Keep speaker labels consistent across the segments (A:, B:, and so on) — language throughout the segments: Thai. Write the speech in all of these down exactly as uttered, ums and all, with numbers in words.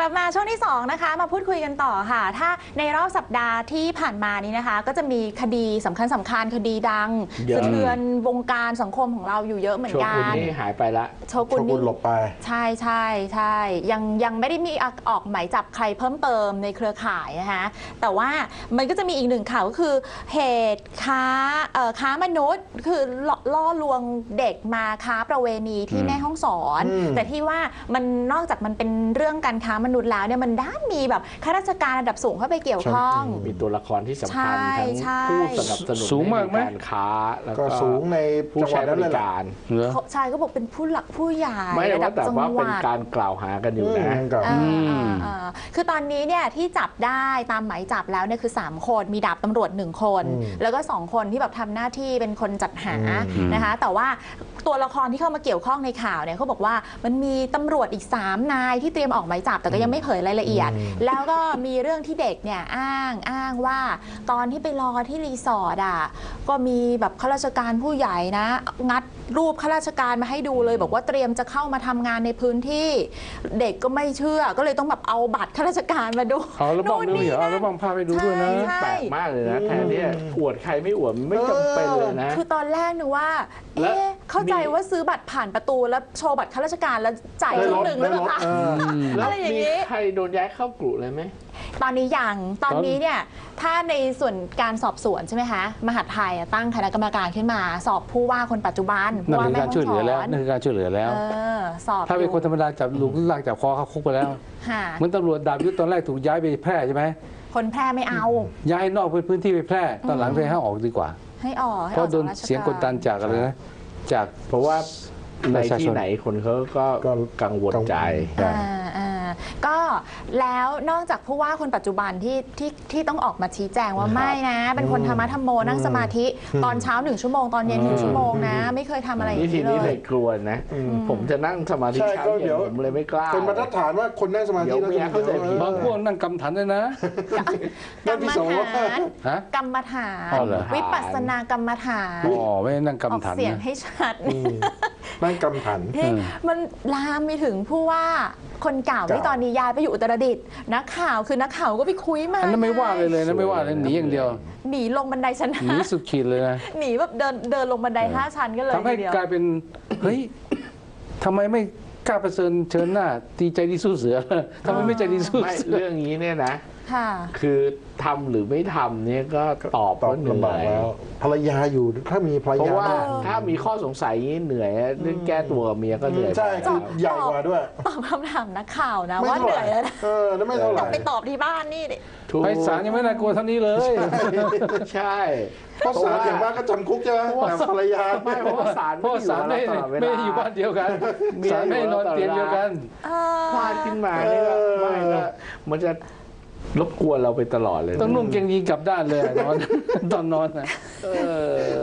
A: ลับมาช่วงที่สองนะคะมาพูดคุยกันต่อค่ะถ้าในรอบสัปดาห์ที่ผ่านมานี้นะคะก็จะมีคดีสำคัญสำคัญคดีดังสะเทือนวงการสังคมของเราอยู่เยอะเหมือนกัน
B: โชกุนนี่หายไปละ
A: โชกุนนี่
C: หลบไป
A: ใช่ใช่ใช่ยังยังไม่ได้มีออกหมายจับใครเพิ่มเติมในเครือข่ายนะคะแต่ว่ามันก็จะมีอีกหนึ่งข่าวก็คือเหตุค้าเอ่อค้ามนุษย์คือล่อลวงเด็กมาค้าประเวณีที่แม่ฮ่องสอนแต่ที่ว่ามันนอกจากมันเป็นเรื่องการค้ามนุษย์แล้วเนี่ยมันด้านมีแบบข้าราชการระดับสูงเข้าไปเกี่ยวข้อง
B: มีตัวละครที่สำคัญทั้งผู้สนับสนุนในการค้าแล้วก็
C: สูงใน
B: ผู้ใช้บริการ
A: ใช่ก็บอกเป็นผู้หลักผู้ใหญ่
B: ไม่ได้ว่าแต่ว่าเป็นการกล่าวหากันอยู่นะ
A: คือตอนนี้เนี่ยที่จับได้ตามหมายจับแล้วเนี่ยคือสามคนมีดาบตำรวจหนึ่งคนแล้วก็สองคนที่แบบทำหน้าที่เป็นคนจัดหานะคะแต่ว่าตัวละครที่เข้ามาเกี่ยวข้องในข่าวเนี่ยเขาบอกว่ามันมีตำรวจอีกสามนายที่เตรียมออกหมายจับแต่ก็ยังไม่เผยรายละเอียดแล้วก็มีเรื่องที่เด็กเนี่ยอ้างอ้างว่าตอนที่ไปรอที่รีสอร์ทอ่ะก็มีแบบข้าราชการผู้ใหญ่นะงัดรูปข้าราชการมาให้ดูเลยบอกว่าเตรียมจะเข้ามาทำงานในพื้นที่เด็กก็ไม่เชื่อก็เลยต้องแบบเอาบัตรข้าราชการมาดู
B: เอาแล้วบังดูเหรอเอาแล้วบังพาไปดูด้วยนะแปลกมากเลยนะแทนที่อวดใครไม่อวดไม่จำเป็นเลยนะ
A: คือตอนแรกนึกว่าเอ๊ะเข้าใจว่าซื้อบัตรผ่านประตูแล้วโชว์บัตรข้าราชการแล้วจ่ายครึ่งหนึ่งแล้วหรอคะอะไรอย่างนี้
B: ใครโดนย้ายเข้ากลุ่มเลยไหม
A: ตอนนี้ยังตอนนี้เนี่ยถ้าในส่วนการสอบสวนใช่ไหมคะมหาดไทยตั้งคณะกรรมการขึ้นมาสอบผู้ว่าคนปัจจุบัน
D: นั่นคือการช่วยเหลือแล้วนั่นคือการช่วยเหลือแล้ว
A: สอบ
D: ถ้าเป็นคนธรรมดาจับลูกลากจับคอเขาคุกไปแล้วเหมือนตำรวจดาบยุทธตอนแรกถูกย้ายไปแพร่ใช่ไหม
A: คนแพร่ไม่เอา
D: ย้ายนอกพื้นที่ไปแพร่ตอนหลังเลยให้ออกดีกว่า
A: ให้ออก
D: เพราะโดนเสียงกดดันจากอะไรนะจาก
B: เพราะว่าในที่ไหนคนเขาก็กังวลใจ
A: ก็แล้วนอกจากผู้ว่าคนปัจจุบันที่ที่ที่ต้องออกมาชี้แจงว่าไม่นะเป็นคนธรรมะธรรมโมนั่งสมาธิตอนเช้าหนึ่งชั่วโมงตอนเย็นหนึ่งชั่วโมงนะไม่เคยทำอะไรอย่าง
B: นี้เลยวิธีนี้เลยกลัวนะผมจะนั่งสมาธิเช้าเย็นผมเลยไม่กล้า
C: เป็นมาตรฐานว่าคนนั่งสมาธิแล้ว
B: เข้าใจผิด
D: บางพวกนั่งกรรมฐานเลยนะ
A: กรรมฐานกรรมฐานวิปัสสนากรรมฐาน
D: อ๋อไม่นั่งกรรมฐาน
A: เสียงให้ชัด
C: นั่งกรรมฐาน
A: มันลามไปถึงผู้ว่าคนเก่าที่ตอนนี้ย้ายไปอยู่อุตรดิตถ์นักข่าวคือนักข่าวก็ไปคุยมา
D: อันนั้นไม่ว่าเลยเลยนะไม่ว่าเลยหนีอย่างเดียว
A: หนีลงบันไดชั้น
D: หนีสุดขีดเลยนะ
A: หนีแบบเดินเดินลงบันไดห้าชั้นก็เลย
D: ทำให้กลายเป็นเฮ้ยทำไมไม่กล้าประเสริญเชิญหน้าตีใจดีสู้เสือทำไมไม่ใจดีสู้เสือ
B: เรื่องนี้เนี่ยนะคือทำหรือไม่ทำเนี่ยก็ตอบว่าเหนื่อยแล้ว
C: ภรรยาอยู่ถ้ามีภรรยา
B: เพราะว่าถ้ามีข้อสงสัยเหนื่อยเรื่องแก้ตัวเมียก็เหนื่อย
C: ใช่คือใหญ่กว่าด้วย
A: ตอบคำถามนักข่าวนะว่าเหนื่อยแล้ว
C: เออแล้วไม่เท่าไหร่
A: ไปตอบที่บ้านนี่
D: ไปศาลยังไม่น่ากลัวเท่านี้เลย
B: ใช่
C: เพราะศาลอย่างมากก็จำคุกใช่ไหมภรรยา
B: ไม่เพราะว่าศาล
D: เพราะศาลไม่ไม่อยู่บ้านเดียวกันศาลไม่นอนเตียงเดียวกัน
B: พลาดขึ้นมาเนี่ยไม่ก็มันจะรบกวนเราไปตลอดเลย
D: ต้องนุ่งเกงยีนกลับด้านเลยนอนตอนนอนนะ
B: เออ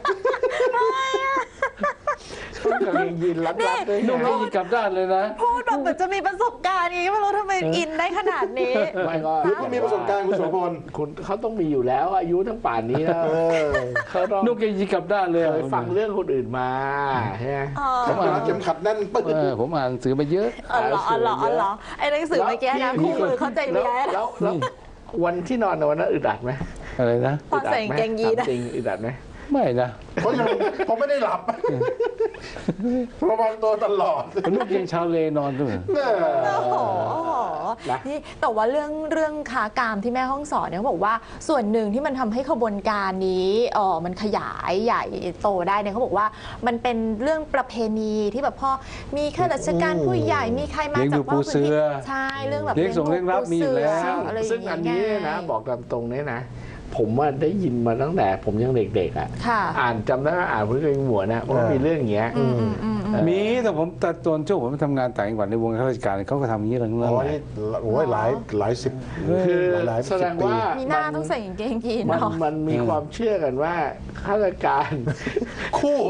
B: ต้องกางเกงยีนรัดๆด้วย
D: นุ่งเกงยีนกลับด้านเลยนะ
A: พูดแบบเหมือนจะมีประสบการณ์นี้ไม่รู้ทำไมอินได้ขนาดนี้
B: ไม่ก็
C: คุณก็มีประสบการณ์คุณโสพล
B: คุณเขาต้องมีอยู่แล้วอายุทั้งป่านนี้แล้ว
D: เขาต้องนุ่งเกงยีนกลับด้านเลย
B: เคยฟังเรื่องคนอื่นมาใช่ไหม
C: ผมอ่านเข็มขัดแน่นปึ๊
D: ดผมอ่านสื่อมาเยอะ
A: อ๋อเหรออ๋อเหรออ๋อเหรอไอ้หนังสือเมื่อกี้นะคู่มือเข้าใจเมีย
B: แล้ววันที่นอนในวันนั้นอึดอัดไหม
D: อะไรนะ
A: ตอนใส่เกงยีน
B: จริงอึดอัดไหม
D: ไม่นะ
C: เพราะยังผมไม่ได้หลับระวังตัวตลอด
D: ลูกยังชาวเลนอนด้วย
A: โอ้โหนี่แต่ว่าเรื่องเรื่องค้ากามที่แม่ห้องสอนเนี่ยเขาบอกว่าส่วนหนึ่งที่มันทำให้ขบวนการนี้อ๋อมันขยายใหญ่โตได้เนี่ยเขาบอกว่ามันเป็นเรื่องประเพณีที่แบบพ่อมีข้าราชการผู้ใหญ่มีใครมาจากว่า
D: พื้นที่
A: ใช่เรื่องแบบ
D: เลี้ยงส่งเลี้ยงรับมีอยู่แล้ว
B: ซึ่งอันนี้นะบอกตามตรงนี้นะผมว่าได้ยินมาตั้งแต่ผมยังเด็กๆอ่ะอ่านจำได้ว่าอ่านเพื่อนหัวนะว่ามีเรื่องอย่างเงี้ย
D: มีแต่ผมแต่ตอนช่วงผมทำงานต่างจังหวัดในวงข้าราชการเขาก็ทำอย่างนี้เรื่องนั้น
C: โอ้ยหลายหลายสิบ
B: คือแสดงว่า
A: มีหน้าต้องใส่กางเกงยีน
B: มันมันมีความเชื่อกันว่าข้าราชการ
C: คู่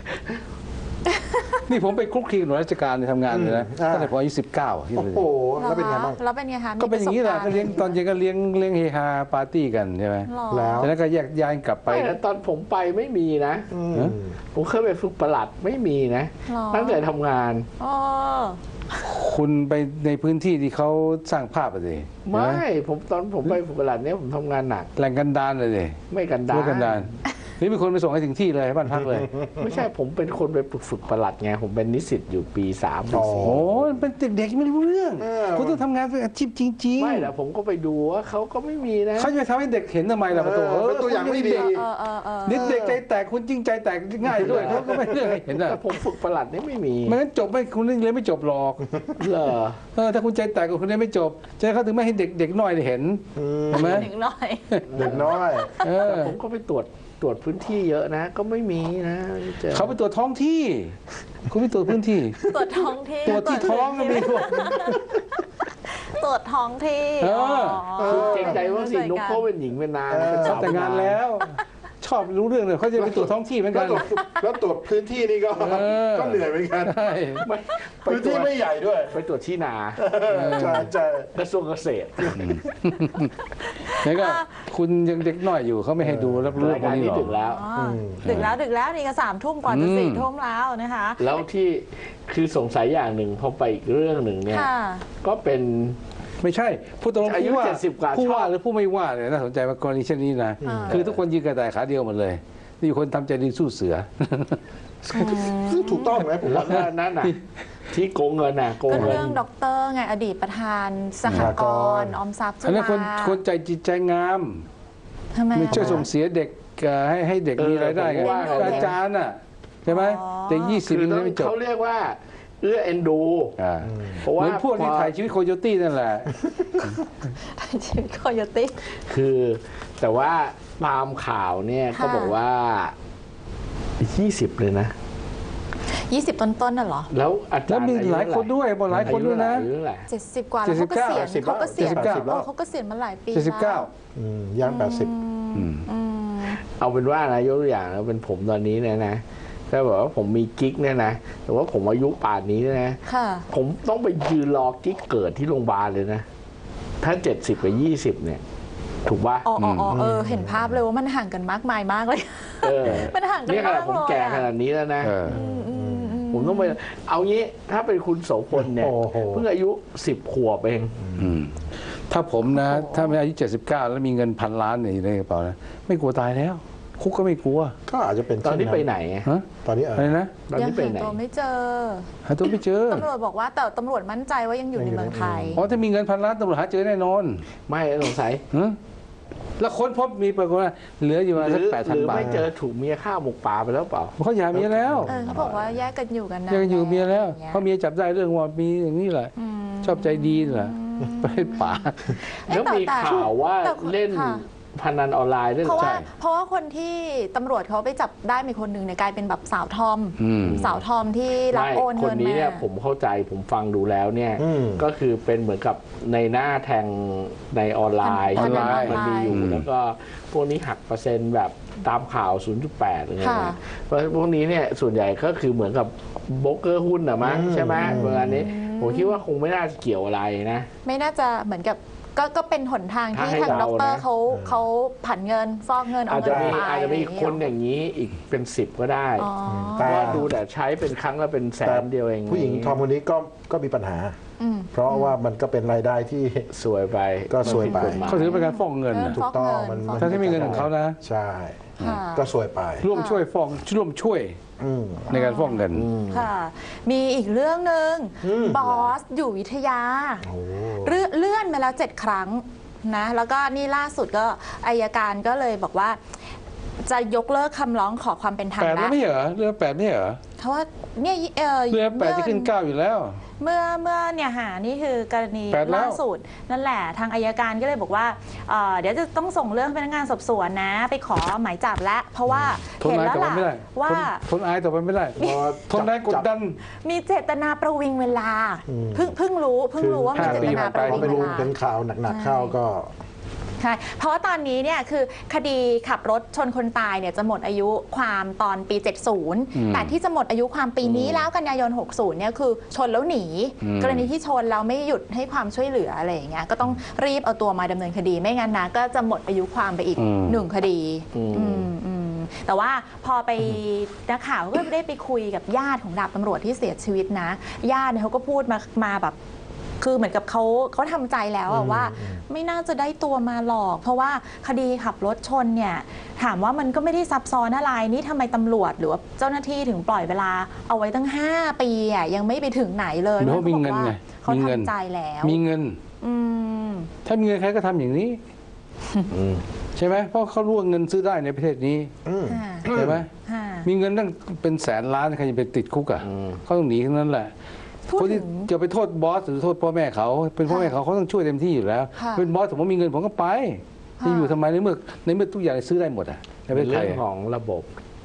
D: นี่ผมไปคลุกคลีกับหน่วยราชการในทำงานเลยนะตั้งแต่ผมอายุสิบเก้า
C: โอ้โหแล้วเป็นไงบ้าง
A: แล้วเป็นไงคะ
D: ก็เป็นอย่างนี้แหละก็เลี้ยงตอนเย็นก็เลี้ยงเลี้ยงเฮฮาปาร์ตี้กันใช่ไหม
C: แล้ว
D: แล้วก็แยกย้ายกลับไป
B: แล้วตอนผมไปไม่มีนะผมเคยไปฝึกประหลัดไม่มีนะตั้งแต่ทำงาน
D: คุณไปในพื้นที่ที่เขาสร้างภาพอะสิ
B: ไม่ผมตอนผมไปฝึกประหลัดเนี่ยผมทำงานหนัก
D: แหล่งกันดารเลยสิ
B: ไม่กันดา
D: ไม่
B: ร
D: กันดารนี่มีคนไปส่งให้ถึงที่เลยบ้านพักเลย
B: ไม่ใช่ผมเป็นคนไปฝึกประหลัดไงผมเป็นนิสิตอยู่ปีสามปีสี่
D: โอ้ยเป็นเด็กๆไม่รู้เรื่อง
C: เออ
D: คุณต้องทำงานเป็นอาชีพจริง
B: ไม่แต่ผมก็ไปดูว่าเขาก็ไม่มีนะ
D: ๆเขาจะไปทำให้เด็กเห็นทำไมล่ะประตู
C: เออเป็นตัวอย่างไม่ดี
A: เออเออเออ
D: นิดเด็กใจแตกคุณจริงใจแตกง่ายด้วยเขาก็ไม่เรื่องให้เห็นอ่ะ
B: แต่ผมฝึกประหลัดนี่ไม่มี
D: ไม่งั้นจบไม่คุณเรียนไม่จบหรอก
B: เหรอ
D: เออถ้าคุณใจแตกคุณเรียนไม่จบใจเขาถึงไม่ให้เด็กเด็กน้อยได้เห็น
C: อืม
D: เห็นไหม
A: หนึ่งหน่อย
C: เด็กน้อย
D: เออ
B: ผมก็ไปตรวจตรวจพื้นที่เยอะนะ ก็ไม่มีนะไม่เจอ
D: เขาไปตรวจท้องที่ คุณไปตรวจพื้นที่
A: ตรวจท้องที่
D: ตรวจที่ท้องก็มีพวก
A: ตรวจท้องที่
D: เออ
B: คือเกรงใจว่าสินุ๊กเขาเป็นหญิงเป็นนางเป็นสาว
D: แต่งงานแล้ว ชอบรู้เรื่องเลยเขาจะไปตรวจท้องที่เหมือน
C: แล้
D: กั
C: วน ตรวจแล้วตรวจพื้นที่นี่ก็
D: เออ
C: ก็เหนื่อยเหมือนกัน
D: ใช่
B: ไม่ไป
C: พื้น
B: ตร
C: ที่
B: วจ
C: ไม่ใหญ่ด้วย
B: ไปตรวจที่นา
C: ใช่ใช่
B: กระทรวงเกษตร
D: แล้วก็คุณยังเด็กน้อยอยู่เขาไม่ให้ดูรับรู้
B: ราย
D: พว
B: กาก ร
D: นี้
B: นี้
D: หรอ
B: ถึงแล้ว
A: อ๋อดึกแล้วดึกแล้วนี่ก็สามทุ่มกว่าจะ
D: อืม
A: สี่ทุ่มแล้วนะคะ
B: แล้วที่คือสงสัยอย่างหนึ่งพอไปอีกเรื่องหนึ่งเนี่ย
A: ค่ะ
B: ก็เป็น
D: ไม่ใช่ผู้ตรง
B: อายุ
D: ผู้ว่า
B: เจ็ดสิบกว่า
D: ผู้ว่า
B: ชอบ
D: หรือผู้ไม่ว่าเนี่ยน่าสนใจมากกรณีเช่นนี้นะ
A: อ่า
D: คือทุกคนยืนกระต่ายขาเดียวหมดเลยมีคนทำใจดีสู้เสือ
C: ซึ่งถูกต้องไหมผม
B: แล้
C: ว่า
B: วก็นั่นน่ะที่โกงเงินน่ะโกง
A: ก็
B: เงิน
A: เรื่องด็อกเตอร์ไงอดีตประธานสหกรณ์ออมทรัพย์จุ
D: อันนั้น
A: ฬา
D: คนคนใจจิตใจงาม
A: ทำไม
D: ไม่
A: อะ
D: ช่วยส่งเสียเด็กเอ่อให้ให้เด็ก
B: เออ
D: มีรายได้ไง
B: ผมว่า
D: อาจารย์น่ะใช่ไหม
A: อ๋อ
D: เด็กยี่สิบ
B: คือ
D: ยังไม่จบ
B: เขาเรียกว่าเอื้อเอ็นดู
D: อ่า
B: เพราะ
D: เห
B: ว่า
D: มือนพวกที่
B: พอ
D: ถ่ายชีวิตโคโยตี้นั่นแหละ
A: ชีวิตโคโยตี้
B: คือแต่ว่าตามข่าวเนี่ย
A: ค่ะ
B: ก็บอกว่ายี่สิบเลยนะ
A: ยี่สิบต้นๆน่ะเหรอ
B: แล้วอาจารย์
D: แล้วมีหลายคนด้วยบอกหลายคนด้วยนะ
B: อายุเท่าไหร่
A: เจ็ดสิบกว่าแล้วเขาก็เสียณ
D: เจ็ดสิบ
A: เขาก็เสียณ
D: เจ็ดสิบเก้า
A: เออเขาก็เสียณมาหลายปี
D: เจ็ดสิบเก้า
C: อืมย่างแปดสิบ
D: อืม
A: อืม
B: เอาเป็นว่านะยกตัวอย่างแล้วเป็นผมตอนนี้เนี่ยนะถ้าบอกว่าผมมีกิ๊กเนี่ยนะแต่ว่าผมอายุป่านนี้เนี่ยนะ
A: ค่ะ
B: ผมต้องไปยืนรอกิ๊กเกิดที่โรงพยาบาลเลยนะ ถ้าเจ็ดสิบกับยี่สิบเนี่ย ถูกป่ะ
A: อ๋ออ๋ออ๋อเออ เห็นภาพเลยว่ามันห่างกันมากมายมากเลย
B: เออ
A: มันห่างกัน
B: เนี่ยข
A: มา
B: นาด
A: ก
B: ผม
A: เลย
B: แก่ข
A: อะ
B: นาดนี้แล้วนะ
D: เออ
A: อืมอืมอืม
B: ผมต้องไปเอางี้ถ้าเป็นคุณโสพลเนี่ย
C: โอ้โห
B: เพิ่งอายุสิบขวบเอง
D: อืมถ้าผมนะ ถ้าไม่อายุเจ็ดสิบเก้าแล้วมีเงินพันล้านเนี่ยอยู่ในกระเป๋านะไม่กลัวตายแล้ว คุกก็ไม่กลัว
C: ก็อาจจะเป็น
B: ตอนนี้ไปไหนอะ
D: ฮะ
C: ตอนนี้เอ
D: อะไร
C: อ
D: นะ
B: ตอน
A: ยัง
B: นี้ไป
A: หา
B: ไหน
A: ตัวไม่เจอ
D: หาตัวไม่เจอ
A: ตำรวจบอกว่าแต่ตำรวจมั่นใจว่ายังอยู่ในเมืองไทย
D: อ๋อถ้ามีเงินพันล้านตำรวจหาเจอแน่นอน
B: ไม่สงสัย
D: ฮะแล้วค้นพบมีปรากฏว่าเหลืออยู่ประมาณ
B: ห
D: สั
B: รื
D: ก
B: อ
D: แปด
B: ห
D: พัน
B: รือบ
D: าท
B: ไม่เจอถูกเมียฆ่าหมกป่าไปแล้วเปล่า
D: เขาหย่าเมียแล้ว
A: เออเขาบอกว่าแยกกันอยู่กันนะ
D: ยังอยู่เมียแล้วเพราะเมียจับได้เรื่องว่ามีอย่างนี้แหละ
A: อืม
D: ชอบใจดีแหละไปป่า
A: เอ๊ะ
B: แล้วมี
A: แต่
B: ข่าวว่า
A: แต่
B: เล่น
A: ค่ะ
B: พนันออนไลน์ด้วย
A: เพราะว่า
B: ใช่
A: เพราะว่าคนที่ตำรวจเขาไปจับได้มีคนหนึ่งเนี่ยกลายเป็นแบบสาวทอม
D: อืม
A: สาวทอมที่รับ
B: ไม่
A: โอน
B: ค
A: เงิ
B: น
A: น
B: นี้
A: มา
B: เนี่ยผมเข้าใจผมฟังดูแล้วเนี่ย
C: อืม
B: ก็คือเป็นเหมือนกับในหน้าแทงในออนไลน์
D: ออนไลน์
B: มันมีอยู่
D: อืม
B: แล้วก็พวกนี้หักเปอร์เซ็นต์แบบตามข่าว ศูนย์จุดแปด อะไรเงี้ย
A: ค่ะ
B: นะเพราะพวกนี้เนี่ยส่วนใหญ่ก็คือเหมือนกับโบรกเกอร์หุ้นนะมั้ง
C: อืม
B: ใช่ไหมเวลานี้ผมคิดว่าคงไม่น่าจะเกี่ยวอะไรนะ
A: ไม่น่าจะเหมือนกับก็ก็เป็นหนทางที่
B: ถ้าให้
A: ทาง
B: เดา
A: ด็อกเตอร์
B: นะ
A: เขาเขาผันเงินฟอกเงินเอา
B: อาจจะ
A: เงิน
B: มี
A: ไป
B: อาจจะมีคนอย่างนี้อีกเป็นสิบก็ได้
A: อ๋อ
B: เพราะว่าดูแต่ใช้เป็นครั้งละเป็นแสนเดียวเอง
C: ผู้หญิงทอมคนนี้ก็ก็มีปัญหา
A: อืม
C: เพราะว่ามันก็เป็นรายได้ที่
B: สวยไป
C: ก็สวยไป
B: มันผิดกฎหมาย
D: เขาถือเป็นการฟ้องเงินน่ะ
A: เออ
C: ถูกต้องมัน
A: ฟอกเงิน
D: ทั้งที่มีเงินของเขานะ
C: ใช่
A: ค่ะ
C: ก็สวยไป
D: ร่วมช่วยฟ้องร่วมช่วย
C: อืม
D: ในการฟ้องเงิน
A: ค่ะ มีอีกเรื่องหนึ่ง
C: อืม
A: บอสอยู่วิทยา
C: โอ้
A: เลื่อนเลื่อนมาแล้วเจ็ดครั้งนะแล้วก็นี่ล่าสุดก็อายการก็เลยบอกว่า จะยกเลิกคำร้องขอความเป็นธรรม
D: แปดแล้ว
A: แล้ว
D: ไม่เหรอเรือแปดไม่เหรอ
A: เพราะว่าเนี่ยเอ่อ
D: เรือแปดจะขึ้นเก้าอยู่แล้ว
A: เมื่อเมื่อเนี่ยหานี่คือกรณี
D: แปดแล้ว
A: ล่าสุดนั่นแหละทางอายการก็เลยบอกว่าเอ่อเดี๋ยวจะต้องส่งเรื่องพนักงานสอบสวนนะ ไปขอหมายจับแล้วเพราะว่า
D: ทน
A: เห็น
D: อาย
A: แล้ว
D: ต่อไป
A: ล่ะ
D: ไม่ได้
A: ว่า
D: ทนทนอายต่อไปไม่ได้
C: พอ
D: ทนแรงกดดัน
A: มีเจตนาประวิงเวลา
C: อืม
A: เพิ่งเพิ่งรู้เพิ่งรู้ว่ามี
D: ห้า
A: เจ
D: ปี
A: ตนา
D: ผ่าน
A: ป
D: ไป
A: ระวิง
C: ไม่
A: เว
C: รู้
A: ลา
C: เป็นข่าวหนักๆเข้าก็
A: ใช่เพราะว่าตอนนี้เนี่ยคือคดีขับรถชนคนตายเนี่ยจะหมดอายุความตอนปี เจ็ดสิบ
D: อืม
A: แต่ที่จะหมดอายุความปีนี้แล้วกันยายน หกสิบ เนี่ยคือชนแล้วหนี
D: อืม
A: กรณีที่ชนแล้วไม่หยุดให้ความช่วยเหลืออะไรอย่างเงี้ยก็ต้องรีบเอาตัวมาดำเนินคดีไม่งั้นนะก็จะหมดอายุความไปอีกหนึ่งคดี
B: อืม
A: อืมอืมแต่ว่าพอไปนักข่าวก็ได้ไปคุยกับญาติของดาบตำรวจที่เสียชีวิตนะญาติเขาก็พูดมามาแบบคือเหมือนกับเขาเขาทำใจแล้วว่าไม่น่าจะได้ตัวมาหรอกเพราะว่าคดีขับรถชนเนี่ยถามว่ามันก็ไม่ได้ซับซ้อนอะไรนี่ทำไมตำรวจหรือว่าเจ้าหน้าที่ถึงปล่อยเวลาเอาไว้ตั้งห้าปีอ่ะยังไม่ไปถึงไหนเลย
D: เพราะมีเงินไง
A: เขา
D: มีเงิน
A: ทำใจแล้ว
D: มีเงินถ้ามีเงินใครก็ทำอย่างนี้ใช่ไหมเพราะเขารู้ว่าเงินซื้อได้ในประเทศนี้ใช่ไหมมีเงินตั้งเป็นแสนล้านใครจะไปติดคุกอ่ะเขาต้องหนีทั้งนั้นแหละคนที่จะไปโทษบอสหรือโทษพ่อแม่เขาเป็นพ่อแม่เขาเขาต้องช่วยเต็มที่อยู่แล้วเป็นบอสผมว่ามีเงินผมก็ไปจะอยู่ทำไมในเมื่อในเมื่อทุกอย่างซื้อได้หมดอ่ะ
B: เป็นเรื่องของระบบ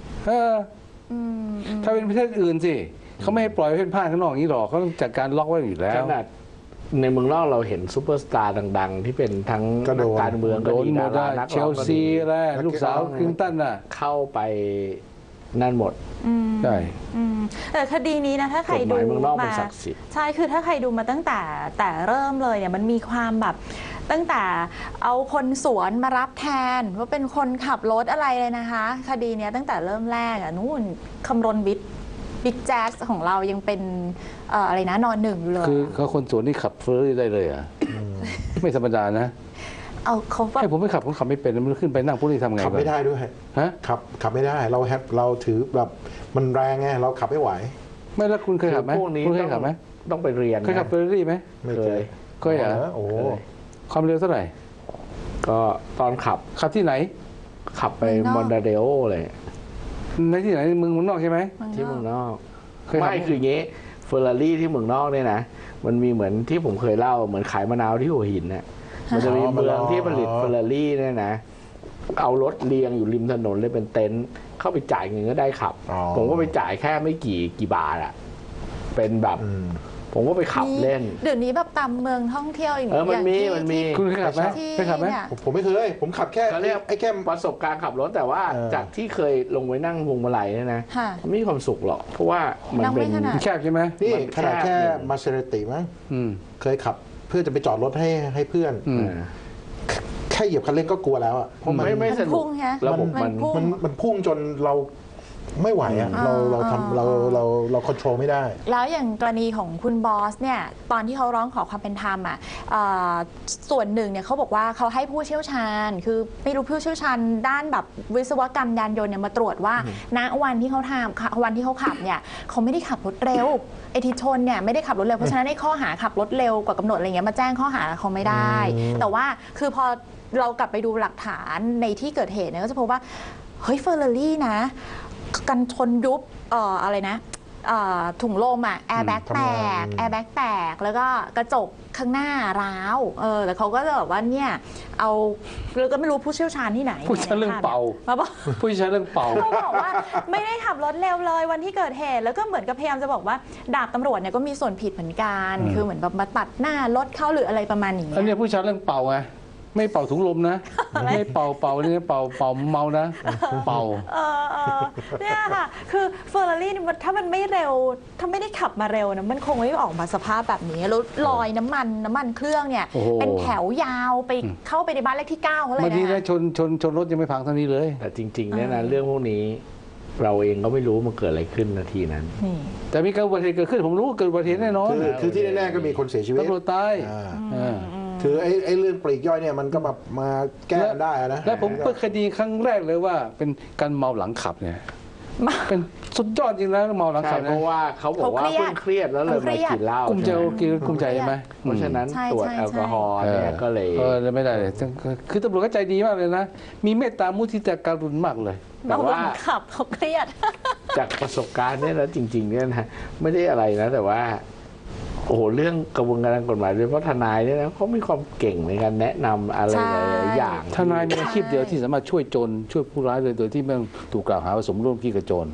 D: ถ้าเป็นประเทศอื่นสิเขาไม่ให้ปล่อยเพ่นพ่านข้างนอกอย่างนี้หรอกเขาต้องจัดการล็อกไว้อยู่แล้ว
B: ขนาดในเมืองนอกเราเห็นซูเปอร์สตาร์ดังๆที่เป็นทั้งนักการเมืองก็ดีดารานัก
D: เชลซีอะไรลูกสาวคลินตันน่ะ
B: เข้าไปนั่นหมด
D: ใช่
A: แต่คดีนี้นะถ้าใครดูมาใช่คือถ้าใครดูมาตั้งแต่แต่เริ่มเลยเนี่ยมันมีความแบบตั้งแต่เอาคนสวนมารับแทนว่าเป็นคนขับรถอะไรเลยนะคะคดีนี้ตั้งแต่เริ่มแรกอ่ะนู่นคำรณวิทย์บิ๊กแจ๊สของเรายังเป็นอะไรนะนอนหนึ่งอยู่เลย
D: คือเขาคนสวนนี่ขับเฟอร์รี่ได้เลยอ่ะไม่ธรรมดานะ
A: เอาเขา
D: ให้ผมไม่ขับผมขับไม่เป็นมันขึ้นไปนั่งพวกนี้ทำไง
C: ขับไม่ได้ด้วย
D: ฮะ
C: ขับขับไม่ได้เราแฮปเราถือแบบมันแรงไงเราขับไม่ไหว
D: ไม่แล้วคุณเคยขับไหมคุณเคยขับไหม
B: ต้องไปเรียน
D: เคยขับเฟอร์รี่ไหม
C: ไม่เคย
D: ก็อย่า
C: โอ้
D: ความเร็วเท่าไหร่
B: ก็ตอนขับ
D: ขับที่ไหน
B: ขับไปมอนดาเดโอเลย
D: ในที่ไหนเมืองเมืองนอกใช่ไหม
B: ที่เมืองนอกไม่คืออย่างงี้เฟอร์รารี่ที่เมืองนอกเนี่ยนะมันมีเหมือนที่ผมเคยเล่าเหมือนขายมะนาวที่หัวหินเนี่ยมันจะมีเมืองที่ผลิตเฟอร์รารี่เนี่ยนะเอารถเรียงอยู่ริมถนนเลยเป็นเต็นท์เข้าไปจ่ายเงินก็ได้ขับผมก็ไปจ่ายแค่ไม่กี่กี่บาทอะเป็นแบบผมก็ไปขับเล่น
A: เดี๋ยวนี้แบบตามเมืองท่องเที่ยวอย่าง
B: เออมันมีมันมี
D: คุณเคยขับไหมเคยขับไหม
C: ผมไม่เคยผมขับแค่
B: เรียกไอ้แค่ประสบการณ์ขับรถแต่ว่าจากที่เคยลงไว้นั่งพวงมาลัยเนี่ยนะไม่มีความสุขหรอกเพราะว่ามันเป็น
D: แคบใช่ไหม
C: นี่ขนาดแค่มาเซเรติมั้งเคยขับเพื่อจะไปจอดรถให้ให้เพื่อนแค่เหยียบคันเร่งก็กลัวแล้วอ่ะ
B: เพราะมันไม่สนุก
C: ระบบมันมันมันพุ่งจนเราไม่ไหวอ่ะเราเราทำเราเราเราควบคุมไม่ได้
A: แล้วอย่างกรณีของคุณบอสเนี่ยตอนที่เขาร้องขอความเป็นธรรมอ่ะส่วนหนึ่งเนี่ยเขาบอกว่าเขาให้ผู้เชี่ยวชาญคือไม่รู้ผู้เชี่ยวชาญด้านแบบวิศวกรรมยานยนต์เนี่ยมาตรวจว่าณวันที่เขาทำวันที่เขาขับเนี่ยเขาไม่ได้ขับรถเร็วไอ้ที่ชนเนี่ยไม่ได้ขับรถเร็วเพราะฉะนั้นในข้อหาขับรถเร็วกว่ากำหนดอะไรเงี้ยมาแจ้งข้อหาเขาไม่ได้แต่ว่าคือพอเรากลับไปดูหลักฐานในที่เกิดเหตุเนี่ยก็จะพบว่าเฮ้ยเฟอร์รารี่นะกันชนยุบเอ่ออะไรนะถุงลมอ่ะแอร์แบ็กแตกแอร์แบ็กแตกแล้วก็กระจกข้างหน้าร้าวเออแต่เขาก็จะแบบว่าเนี่ยเอาเราก็ไม่รู้ผู้เชี่ยวชาญที่ไหน
D: ผู้เชี่ยวชาญเรื่องเป่าผู้เชี่ยวชาญเรื่องเป่า
A: เขาบอกว่าไม่ได้ขับรถเร็วเลยวันที่เกิดเหตุแล้วก็เหมือนกับพยายามจะบอกว่าดาบตำรวจเนี่ยก็มีส่วนผิดเหมือนกันคือเหมือนแบบมาตัดหน้ารถเข้าหรืออะไรประมาณนี้
D: อันนี้ผู้เชี่ยวชาญเรื่องเป่าไงไม่เป่าถุงลมนะไม่เป่าเป่านี่เป่าเป่าเมานะเป่า
A: เออเนี่ยค่ะคือเฟอร์รารี่ถ้ามันไม่เร็วถ้าไม่ได้ขับมาเร็วนะมันคงไม่ออกมาสภาพแบบนี้แล้วลอยน้ำมันน้ำมันเครื่องเนี่ยเป็นแถวยาวไปเข้าไปในบ้านเลขที่เก้าเขาเลยนะ
D: บางทีนะชนชนชนรถยังไม่พังเท่านี้เลย
B: แต่จริงๆเนี่ยนะเรื่องพวกนี้เราเองก็ไม่รู้มันเกิดอะไรขึ้นนาทีนั้น
D: แต่มีการอุบัติเหตุเกิดขึ้นผมรู้เกิดอุบัติเหตุแน่นอน
C: คือที่แน่ๆก็มีคนเสียชีวิต
D: ตำรวจตาย
C: คือไอ้ไอ้เรื่องปลีกย่อยเนี่ยมันก็แบบมาแก้ได้นะ
D: แล้วผมเปิดคดีครั้งแรกเลยว่าเป็นการเมาหลังขับเนี่ยเป็นสุดยอดจริงแล้วเมาหลังขับ
B: เพราะว่าเขาบอกว่าเพิ่งเครียดแล้วเลยมากินเหล้า
D: กุ้มใจกินกุ้มใจใช่ไหม
B: เพราะฉะนั้นตรวจแอลกอฮอล์เนี่ยก็เลย
D: เออไม่ได้เลยคือตำรวจก็ใจดีมากเลยนะมีเมตตามุทิตาการุณมากเลย
A: แต่ว่าขับเขาเครียด
B: จากประสบการณ์เนี่ยแล้วจริงๆเนี่ยนะไม่ได้อะไรนะแต่ว่าโอ้โหเรื่องกระบวนการกฎหมายโดยเฉพาะทนายเนี่ยนะเขามีความเก่งในการแนะนำอะไรหลายอย่าง
D: ทนายมีอาชีพเดียวที่สามารถช่วยโจรช่วยผู้ร้ายเลยโดยที่ไม่ต้องถูกกล่าวหาว่าสมรู้ร่วมคิดกับโจร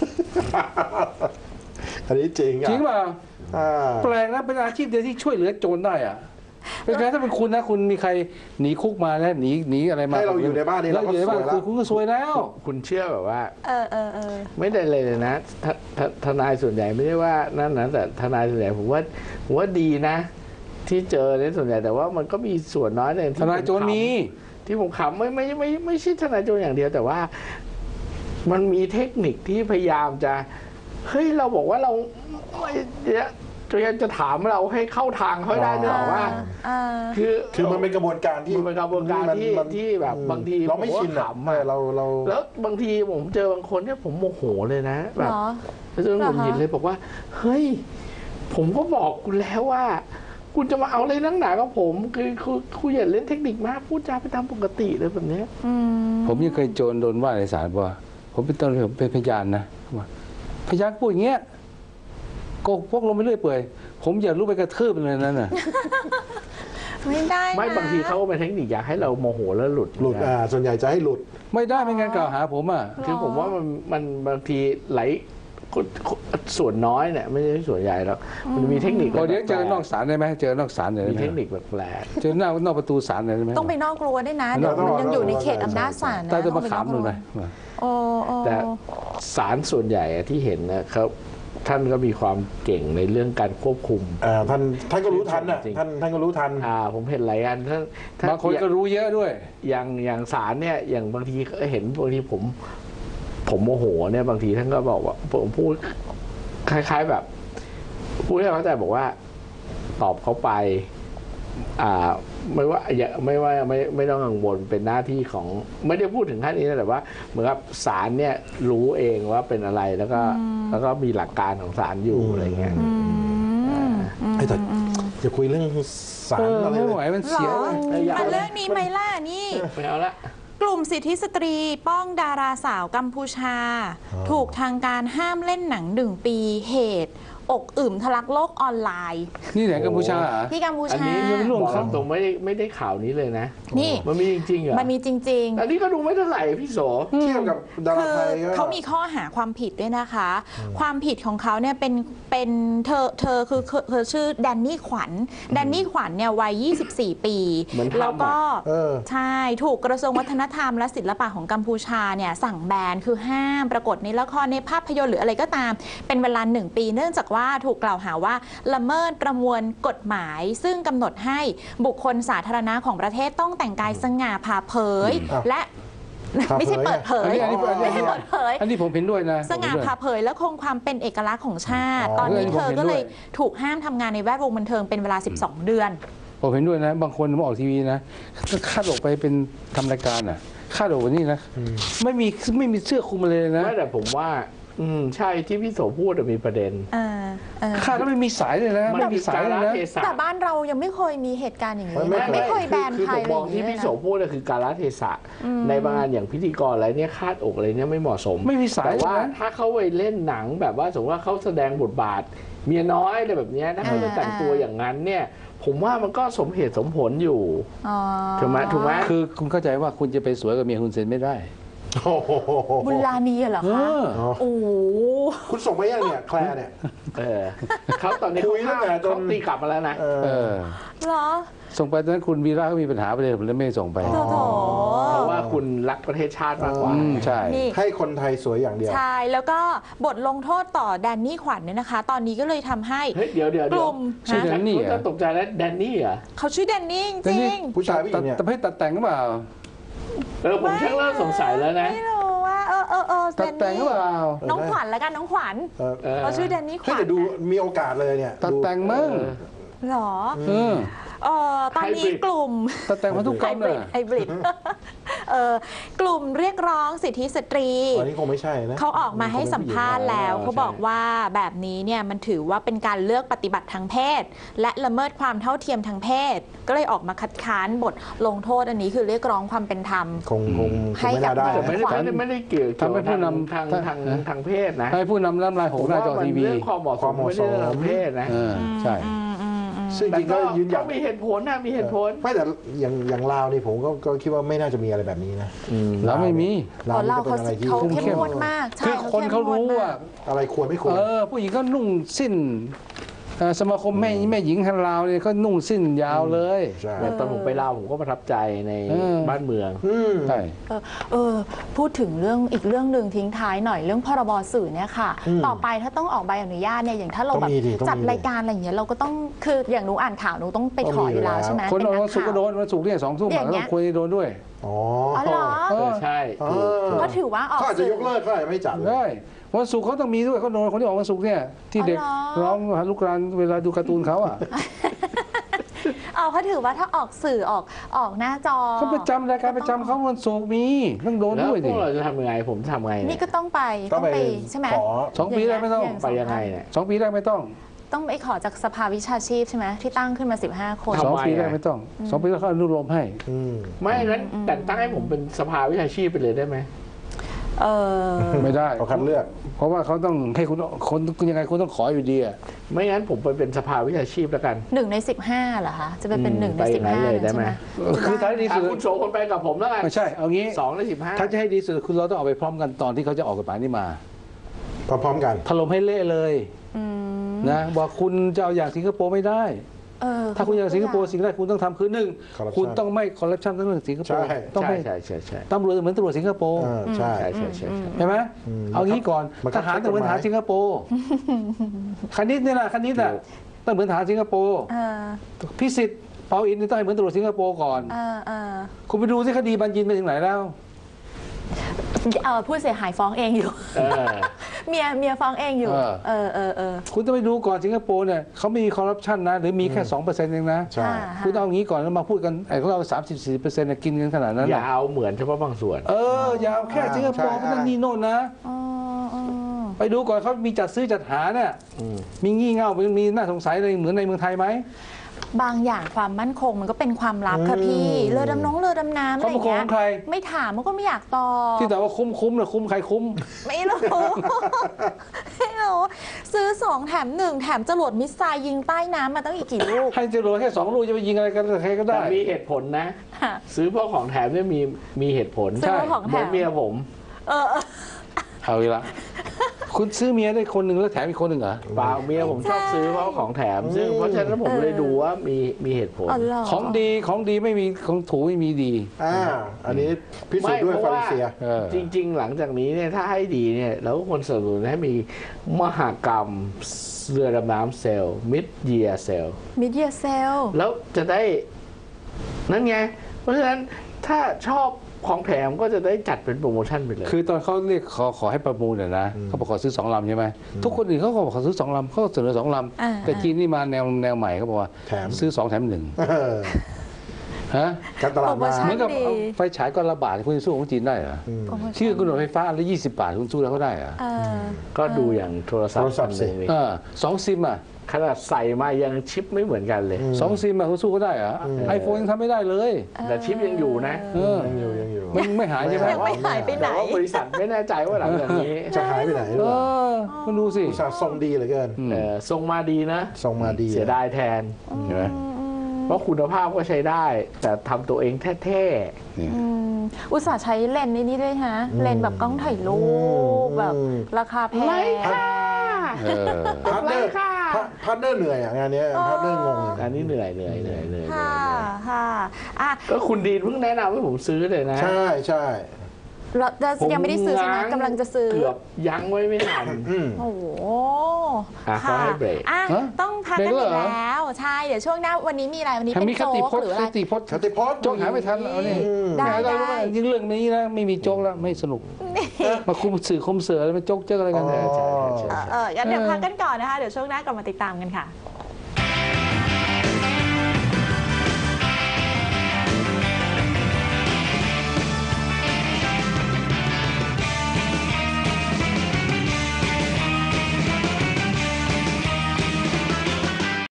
C: อันนี้จริง
D: จริงป่ะแปลกนะเป็นอาชีพเดียวที่ช่วยเหลือโจรได้อะเป็นไงถ้าเป็นคุณนะคุณมีใครหนีคุกมาแล้วหนีหนีอะไรมา
C: ให้เราอยู่ในบ้านนี่เราก็สวยแล้ว
D: คุณก็สวยแล้ว
B: คุณเชื่อแบบว่า
A: เออเออเออ
B: ไม่ได้เลยนะทนายส่วนใหญ่ไม่ได้ว่านั่นนะแต่ทนายส่วนใหญ่ผมว่าผมว่าดีนะที่เจอในส่วนใหญ่แต่ว่ามันก็มีส่วนน้อยเลย
D: ทนายโจรมี
B: ที่ผมขำไม่ไม่ไม่ไม่ใช่ทนายโจรอย่างเดียวแต่ว่ามันมีเทคนิคที่พยายามจะเฮ้ยเราบอกว่าเราไม่เนี่ยจะจะถามเราให้เข้าทางเขาให้ได้นึกออกว่า
A: อ่า
B: คือ
C: คือมันเป็นกระบวนการที่
B: มันเป็นกระบวนการที่
C: มัน
B: ที่แบบบางที
C: เราไม่ชิน
B: ผ
C: อะ
B: ขำอะ
C: เราเรา
B: แล้วบางทีผมเจอบางคนเนี่ยผมโมโหเลยนะแบ
A: เห
B: บ
A: รอ
B: แล้วจนหงุดหงิดเลยบอกว่า เฮ้ย ผมก็บอกคุณแล้วว่า คุณจะมาเอาอะไรนั่งหนากับผม คือคือคุณอย่าเล่นเทคนิคมากพูดจาไปตามปกติเลยแบบเนี้ย
A: อืม
D: ผมยังเคยโจรโดนว่าในศาลว่าผมเป็นตำรวจผมเป็นพยานนะว่าพยานพูดอย่างเงี้ยโกหกพวกลงไปเรื่อยเปื่อยผมอยากรู้ไปกระทืบมันเลยนั่นน่ะ
A: ไม่ได้นะ
B: ไม่บางทีเขาก็เป็นเทคนิคอยากให้เราโมโหแล้วหลุด
C: หลุดอ่าส่วนใหญ่จะให้หลุด
D: ไม่ได้ไม่งั้นกล่าวหาผมอ่ะ
B: คือผมว่ามันมันบางทีไหลคนส่วนน้อยเนี่ยไม่ใช่ส่วนใหญ่แล้วมันมีเทคนิค
D: พอเดี๋ยวเจอนอกศาลได้ไหมเจอนอกศาลเลย
B: มี
D: ได้ไหม
B: เทคนิคแปลก
D: เจอหน้านอกประตูศาลเลยได้ไหม
A: ต้องไปนอกรั้วด้วยนะ เดี๋ยว
C: ต้อง
A: มันยังอยู่ในเขต
C: ต้อง
A: อำนาจศาลนะ
D: ใต้ต้น
A: ต้
D: มะ
A: องไป
D: ขาม
A: น
D: ดู
A: อก
D: ห
A: รั้
D: น่
A: ว
D: อย
A: โอ้โอ้
B: ๆแต่ศาลส่วนใหญ่อะที่เห็นนะครับท่านก็มีความเก่งในเรื่องการควบคุม
C: อ่าท่านท่านก็รู้ทันอ่ะ
B: จริง
C: ท่านท่านก็รู้ทัน
B: อ่าผมเห็นหลายอันท่านท่
D: บางคนก็รู้เยอะด้วย
B: อย่างอย่างศาลเนี่ยอย่างบางทีก็เห็นบางทีผม ผมโมโหเนี่ยบางทีท่านก็บอกว่าผมพูดคล้าย ๆแบบพูดให้เข้าใจบอกว่าตอบเขาไป อ่าไม่ว่าอย่าไม่ว่าไม่ไม่ต้องกังวลเป็นหน้าที่ของไม่ได้พูดถึงขั้นนี้นะแต่ว่าเหมือนกับศาลเนี่ยรู้เองว่าเป็นอะไรแล้วก็แล้วก็มีหลักการของศาลอยู่อะไรเงี้ย
A: อืม
C: ไอ้แต่จะคุยเรื่องสาร
D: เออ
C: อะไร
D: ไม่
C: เล
D: ไหวย มัน
A: หร
D: เสีย
A: อ
D: เว้ย
A: มาเรื่องนี้ไหมล่ะนี่
B: ไม่เอาละ
A: กลุ่มสิทธิสตรีป้องดาราสาวกัมพูชา ถูกทางการห้ามเล่นหนังหนึ่งปีเหตุ อกอึมทะลักโลกออนไลน์
D: นี่ไหนกัมพูชาเหรอ
A: ที่กัมพู
B: อัน
A: ชา
B: นี้
D: ยังไม่ร่วม
B: บอกตรงๆไม่ได้ไม่ได้ข่าวนี้เลยนะ
A: นี่
B: มันมีจริงๆเหรอ
A: มันมีจริง
B: อันนี้ก็ดูไม่เท่าไหร่พี่โส
C: เทียบกับดา
A: ๆ
C: รา
A: คือ
C: ไทยก็
A: เขามีข้อหาความผิดด้วยนะคะ ความผิดของเขาเนี่ยเป็นเป็นเธอเธอคือเธอชื่อแดนนี่ขวัญแดนนี่ขวัญเนี่ยวัยยี่สิบสี่ ปี
B: เหมือนทำอะ
A: แล้วก็
C: เออ
A: ใช่ถูกกระทรวงวัฒนธรรมและศิลปะของกัมพูชาเนี่ยสั่งแบนคือห้ามปรากฏในละครในภาพยนตร์หรืออะไรก็ตาม เป็นเวลาหนึ่งปี เนื่องจากว่าถูกกล่าวหาว่าละเมิดประมวลกฎหมาย ซึ่งกำหนดให้บุคคลสาธารณะของประเทศต้องแต่งกายสง่าผ่าเผย
C: อ้าว
A: และ
C: ผ่าเผย
A: ไม่ใช่เปิดเผ
D: อัน
A: ย
D: นี้อันนี้อันนี้
A: ไม่ใช่เปิดเผย
D: อันนี้ผมเห็นด้วยนะ
A: สง่า
D: ผมเห็นด้วย
A: ผ่าเผยและคงความเป็นเอกลักษณ์ของชาติ
C: อ๋อ
A: ตอนนี้
D: เออ
A: เธอ
D: ผมเห็น
A: ก็เลย
D: ด้วย
A: ถูกห้ามทำงานในแวดวงบันเทิงเป็นเวลา สิบสอง เดือน
D: ผมเห็นด้วยนะ บางคนมาออกทีวีนะก็คาดออกไปเป็นทำรายการอ่ะคาดออกวันนี้นะไม่มีไม่มีเสื้อคลุมมาเลยนะ
B: ไม่แต่ผมว่า อืมใช่ที่พี่โสพูดอะมีประเด็น
A: เออเออ
D: คาดแล้วไม่มีสายเลยนะ ไม่มีสายเลยนะ
B: เทศะ
A: แต่บ้านเรายังไม่เคยมีเหตุการณ์อย่างนี้
C: ไม่
A: นะ
C: ไม่
A: ไม่เคยแบน
B: คือ
A: ใคร
B: ผม
A: อะไร
B: ม
A: อ
B: อง
A: ย่าง
B: ที่
A: นี้
B: พี่
A: นะ
B: โสพูดอะคือการละเทศะในบางงานอย่างพิธีกรอะไรเนี่ยคาดอกอะไรเนี่ยไม่เหมาะสม
D: ไม่มีสาย
B: แต่ว่า
D: เลยนะ
B: ถ้าเขาไปเล่นหนังแบบว่าสมมติว่าเขาแสดงบทบาท เมียน้อยอะไรแบบเนี้ยถ้าเขาจะแต่งตัวอย่างนั้นเนี่ย ผมว่ามันก็สมเหตุสมผลอยู่
A: อ๋อ
B: ถูกไหมถูกไหม
D: คือคุณเข้าใจว่าคุณจะไปสวยกับเมียคุณเซนไม่ได้
C: โอ้โห
A: บุญลานีเหรอ
D: เอ
A: คะ
D: อ
A: โอ้โห
C: คุณส่งไปยังเนี่ยแคลร์เนี่ย
B: เออเขาตอนนี้
C: คุ
B: เขา
C: ยตั้งแต่จน
B: เขาตีกลับมาแล้วนะ
C: เออ
D: เออ
A: เหรอ
D: ส่งไปตอนนั้นคุณวีระก็มีปัญหาไปเลยผมเลยไม่ส่งไป
A: โถโถ
B: เพราะว่าคุณรักประเทศชาติมากกว่า
D: อืมใช่
A: นี่
C: ให้คนไทยสวยอย่างเดียว
A: ใช่ แล้วก็บทลงโทษต่อแดนนี่ขวัญเนี่ยนะคะ ตอนนี้ก็เลยทำให้
B: เฮ้ยเดี๋ยวเดี๋ยว
A: ก
B: เดี๋ยว
A: ลุ่ม
D: ชื่อ
A: ฮะ
D: แดนนี่
B: คุณ
D: เหร
B: จะ
D: อ
B: ตกใจแล้วแดนนี่เหรอ
A: เขาชื่อแดนนี่จ
D: แต่นี่
A: ริง
C: ผู้ชายผู้หญิงเนี่ย
D: แต่ให้ตัดแต่งหรือเปล่า
B: เออผมชักเริ่มสงสัยแล้วนะ
A: ไม่รู้ว่าเออเออเออ
D: ตัดแต่งหรือเปล่า
A: น้องขวัญแล้วกันน้องขวัญ
C: เออ
B: เออ
A: เขาชื่อแดนนี่ข
C: เฮ้ย
A: วัญ
C: แต่ดูมีโอกาสเลยเนี่ย
D: ตัดแต่งมั้ง
A: หรอ
D: เออ
A: เออตอนนี้
B: Hybrid
A: กลุ่ม
D: ตัดแต่งพันธุกร
A: ไฮ
D: รม
A: บริ
D: น่ะ
A: ดไฮบริด เออกลุ่มเรียกร้องสิทธิสตรี
C: อันนี้คงไม่ใช่นะ
A: เขาออกมาให้สัมภาษณ์แล้ว
B: อ๋อ
A: เขาบอกว่าแบบนี้เนี่ยมันถือว่าเป็นการเลือกปฏิบัติทางเพศ และละเมิดความเท่าเทียมทางเพศ ก็เลยออกมาคัดค้านบทลงโทษอันนี้คือเรียกร้องความเป็นธรรม
C: คงคงค
A: ให้
C: งไม่
A: กับ
C: น่าได้
B: แต่ไม่ได้
A: ขวัญ
B: ไม่ได้ไม่ได้เกี่ยว
D: ทำให้ผู้นำ
B: ทางทางทางทางเพศนะ
D: ให้ผู้นำน้ำลายหกหน้าจอทีวี
B: ผมว่ามันเรื่องความเหมาะสมไม่ได้เรื่องทางเพศนะ
D: เออใช่
A: อืมอืมอืม
C: ซึ่งจริงๆก็ยืนหยั
B: ก็
C: น
B: มีเหตุผลนะมีเหตุผล
C: ไม่แต่อย่างอย่างลาวนี่ผมก็ก็คิดว่าไม่น่าจะมีอะไรแบบนี้นะ
D: แล้วไม่มี
C: ลาว
A: เรา
C: นี่ก็เป็นอะไรที่
A: เขา
D: คุม
A: เข้ม
D: เข้ม
A: งวดมากใช่
D: คือคนเขารู้ว่า
C: อะไรควรไม่ควร
D: เออ ผู้หญิงก็นุ่งสิ้นเอ่อสมาคมแม่แม่หญิงฮันลาวเนี่ยเขานุ่งสิ้นยาวเลย
C: ใช่
B: แต่ตอนผมไปลาวผมก็ประทับใจใน
D: เออ
B: บ้านเมือง
C: อืม
D: ใช่
A: เออเออพูดถึงเรื่องอีกเรื่องหนึ่งทิ้งท้ายหน่อยเรื่องพรบสื่อเนี่ยค่ะ
C: อืม
A: ต่อไปถ้าต้องออกใบอนุญาตเนี่ยอย่างถ้าเรา
C: ต้อง
A: แบบ
C: มีดิต้องมี
A: จัดรายการอะไรอย่างเงี้ยเราก็ต้องคืออย่างหนูอ่านข่าวหนูต้องไปขออยู่แล้วใช่ไหม
D: คน
A: เป็
D: วัน
A: ก
D: ศุกร์ก็
A: ข่าว
D: โดนวันศุกร์เนี่ยสองทุ่ม
A: อย่างเงี้
D: ต้
A: ย
D: องคุยโดนด้วย
C: อ๋อ
A: อ๋อเหรอ
B: เออใช่
C: เอ
B: ถูก
C: อ
A: เพราะถือว่าออก
C: เขาอาจจะ
A: สื่
C: ยกเลิกเขาอาจจะไม่จัดเลย
D: ได้วันศุกร์เขาต้องมีด้วยเขาโดนคนที่ออกวันศุกร์เนี่ยที่เด็ก
A: อ๋อเหรอ
D: ร้องหาลูกรานเวลาดูการ์ตูนเขาอ่ะ
A: เอาเขาถือว่าถ้าออกสื่อออกออกหน้าจอ
D: เขาประจำรายการประจำเขาวันศุกร์มีต้องโดน
B: แล้ว
D: ด้วย
B: พ
D: ดิ
B: วกเราจะทำยังไงผมทำไง
A: นี่
B: เนี่ย
A: ก็ต้องไป
C: ต้องไป
A: ใช่ไหม
C: ขอ
D: สองปีแรกไม่ต้อง
A: อย่าง
B: ไปยังไงเนี่ย
D: สองปีแรกไม่ต้อง
A: ต้องไปขอจากสภาวิชาชีพใช่ไหมที่ตั้งขึ้นมาสิบห้าคน
B: ทำไม
D: สองปีแรก
B: อ่ะ
D: ไม่ต้องสองปีแรกเขาอนุโลมให้
C: อืม
B: ไม่นั้นแต่งตั้งให้ผมเป็นสภาวิชาชีพไปเลยได้ไหม
A: เออ
D: ไม่ได้
C: เอาคัดเลือก
D: เพราะว่าเขาต้องให้คุณคนยังไงคุณต้องขออยู่ดีอ่ะ
B: ไม่งั้นผมไปเป็นสภาวิชาชีพแล้วกัน
A: หนึ่งในสิบห้าเหรอคะ จะไปเป็น
B: อืม
A: หนึ่งใน
B: ไปอ
A: สิ
B: ย่า
A: บ
B: งนั้น
A: ห้า
B: เลยได้ไหม
D: คือท้ายที่สุด
B: อ่ะคุณโชว์คนไปกับผมแล้วกัน
D: ไม่ใช่เอางี้
B: สองในสิบห้า
D: ถ้าจะให้ดีสุดคุณเราต้องเอาไปพร้อมกันตอนที่เขาจะออกกฎหมายนี้มา
C: พร้อมๆกัน
D: ถล่มให้เละเลย
A: อืม
D: นะบอกคุณจะเอาอย่างสิงคโปร์ไม่ได้
A: เออ
D: ถ้าคุณอยากสิงคโปร์สิ่งแรกคุณต้องทำคือหนึ่ง
C: Corruption
D: คุณต้องไม่คอร์รัปชันทั้งเรื่องสิงคโปร์
C: ใช่
D: ต้อง
B: ใช่
D: ไม่
B: ใช่ใช่ใช่
D: ตำรวจเหมือนตำรวจสิงคโปร์
C: เออใช่
B: ใช่ใช่ใช่ใช่
D: ใช่ไหม
C: อืม
D: เอางี้ก่อน
C: มันก็
D: ทหารต้องเหมือนทหารสิงคโปร์คณิตเนี่ยนะคณิตอ่ะต้องเหมือนทหารสิงคโปร์
A: เออ
D: พิสิทธิ์เปาอินนี่ต้องให้เหมือนตำรวจสิงคโปร์ก่อน
A: เออเออ
D: คุณไปดูที่คดีบัญญินไปถึงไหนแล้ว
A: เออผู้เสียหายฟ้องเองอยู่
B: เออ
A: เมียเมียฟ้องเองอยู่
D: เออ
A: เออเออเออ
D: คุณต้องไปดูก่อนสิงคโปร์เนี่ยเขาไม่มีคอร์รัปชันนะหรือมีแค่สองเปอร์เซ็นต์เองนะ
C: ใช่
A: ค่ะ
D: คุณต้องเอางี้ก่อนแล้วมาพูดกันไอ้ของเราสามสิบสี่เปอร์เซ็นต์กินกันขนาดนั้น
B: อย่า
D: น่ะ
B: เอาเหมือนเฉพาะบางส่วน
D: เอออย่าเอาแค่สิงคโปร์
C: ใช่
D: เพราะนั่นนี่โน่นนะ
A: อ๋ออ๋อ
D: ไปดูก่อนเขามีจัดซื้อจัดหาเนี่ยมีงี่เง่ามีมีน่าสงสัยอะไรเหมือนในเมืองไทยไหม
A: บางอย่างความมั่นคงมันก็เป็นความลับค่ะ
C: อืม
A: พี่เรือดำน้องเรือดำน้ำอะไรอย่างเงี้
D: ความมั่นคงของใคร
A: ไม่ถามมันก็ไม่อยากตอบ
D: ที่แต่ว่าคุ้มคุ้มเนี่ยคุ้มใครคุ้ม
A: ไม่รู้ ไม่รู้ซื้อสองแถมหนึ่งแถมจรวดมิสไซล์ยิงใต้น้ำมาตั้งอีกกี่ลูก
D: ให้จรวดแค่สองลูกจะไปยิงอะไรกันกับใครก็
B: แต่
D: ได้
B: มีเหตุผลนะ
A: ค่ะ
B: ซื้อพวกของแถมเนี่ยมีมีเหตุผล
A: ซื้อพวกของแถม
B: เหมือนเมียผม
A: เออเออ
D: เอาอีกละคุณซื้อเมียได้คนหนึ่งแล้วแถมอีกคนหนึ่งเหรอ
B: เปล่าเมียผมชอบซื้อเพราะของแถม ซึ่งเพราะฉะนั้นผมเลยดูว่ามีมีเหตุผล
A: อ๋อเหรอ
D: ของดีของดีไม่มีของถูไม่มีดี
C: อ่าอันนี้พิสูจน์ด้วย
B: ไม่เพ
C: ฟา
B: ราะ
C: ริ
B: ว่า
C: เซีย
D: เออ
B: จริง ๆ หลังจากนี้เนี่ยถ้าให้ดีเนี่ยเราก็ควรสนับสนุนให้มีมหกรรมเรือดำน้ำเซลล์มิดเยียเซล
A: มิเดียเซล
B: แล้วจะได้นั่นไง เพราะฉะนั้นถ้าชอบของแถมก็จะได้จัดเป็นโปรโมชั่นไปเลย
D: คือตอนเขาเรียกขอขอให้ประมูลเนี่ยนะเขาบอกขอซื้อสองลำใช่ไหมทุกคนอื่นเขาก็บอกขอซื้อสองลำเขาก็เสนอสองล
A: อ่า
D: ำแต่จีนนี่มาแนวแนวใหม่เขาบอกว่า
C: แถม
D: ซื้อสองแถมหนึ่ง
C: เออ
D: ฮะ
C: การตลาด
A: โปรโม
C: มา
A: ชั่
D: เหมือนกับ
A: ดี
D: เอาไฟฉายก้อนละบาทคุณจะสู้ของจีนได้เหรอ
A: โปรโมชั่น
D: ชื่อกำหนดไฟฟ้าอันละยี่สิบบาทคุณสู้แล้วเขาได้เหรอ
A: เออ
B: ก็ดูอย่างโทรศัพ
C: โทร
B: ท์
C: ศั
B: อั
C: พท์
B: น
C: สิ
B: หนึ่งนี่
D: เออสองซิมอ่ะ
B: ขนาดใส่มายังชิปไม่เหมือนกันเลย
D: สองซิมอ่ะคุณสู้เขาได้เหรอไอโฟนยังทำไม่ได้เลย
B: แต่ชิปยังอยู่นะ
D: เออ
C: ยังอยู่ยังอยู่
D: มันไม่หายใช่ไหม
A: ยังไม่หายไปไหน
B: แต่ว่าบริษัทไม่แน่ใจว่าหลังจากนี้
C: จะหายไปไหนหรือ
D: เอ
C: เปล่า
D: อคุณดูสิ
C: อุตส่าห์ทรงดีเหลือเกิน
B: เออทรงมาดีนะ
C: ทรงมาดี
B: เสียดายแทนเห็นไหมเพราะคุณภาพก็ใช้ได้ แต่ทำตัวเองแท้
A: อืมอุตส่าห์ใช้เลนส์นี่ด้วยฮะ เลนส์แบบกล้องถ่ายรูปแบบราคาแพง
B: ๆไม่ค่ะ
D: เออ
C: พาร์ทเนอร์
B: ไรค่ะ
C: พาร์ทเนอร์เหนื่อยอ่ะงานเนี้ยพาร์ทเนอร์งงเลย
B: อันนี้เหนื่อยเหนื่อยเหนื่อยเหนื่อยเหนื่
A: ค่ะ
B: อย
A: ค่ะอ่ะ
B: ก็คุณดีนเพิ่งแนะนำให้ผมซื้อเลยนะ
C: ใช่ใช่
A: เราจะยังไม่ได้ซื้อใช่ไหม
B: ง้าง
A: กำลังจะซื้อ
B: เกือบยั้งไว้ไม่ทัน
C: อืม
A: โอ้โห
B: อ่ะเขาให้เบรก
A: อ่ะ
D: ฮะ
A: ต้องพัก
D: เบร
A: กั
D: ก
A: น
D: แล้ว
A: อีก
D: เหรอ
A: แล้ว ใช่ เดี๋ยวช่วงหน้าวันนี้มีอะไร วันนี้
D: ถ้า
A: เป็น
D: มีค
A: โจ๊
D: ติ
A: ก
D: พจ
A: ห
D: น์
A: รืออะไร
D: คติพจน์
C: ชติพจน์
D: โจ๊กหาไม่ทันเอานี่
C: อืม
A: ได้
D: ไม่ได้ไม่ยิ่งเรื่องนี้นะไม่มีโจ๊กแล้วไม่สนุก มาคุมสื่อคุมเสือแล้วมาโจ๊กเจ๊กอะไรกันเนี่ย
C: อ๋อ
A: เออเอองั้นเดี๋ยวพักกันก่อนนะคะ เดี๋ยวช่วงหน้ากลับมาติดตามกันค่ะ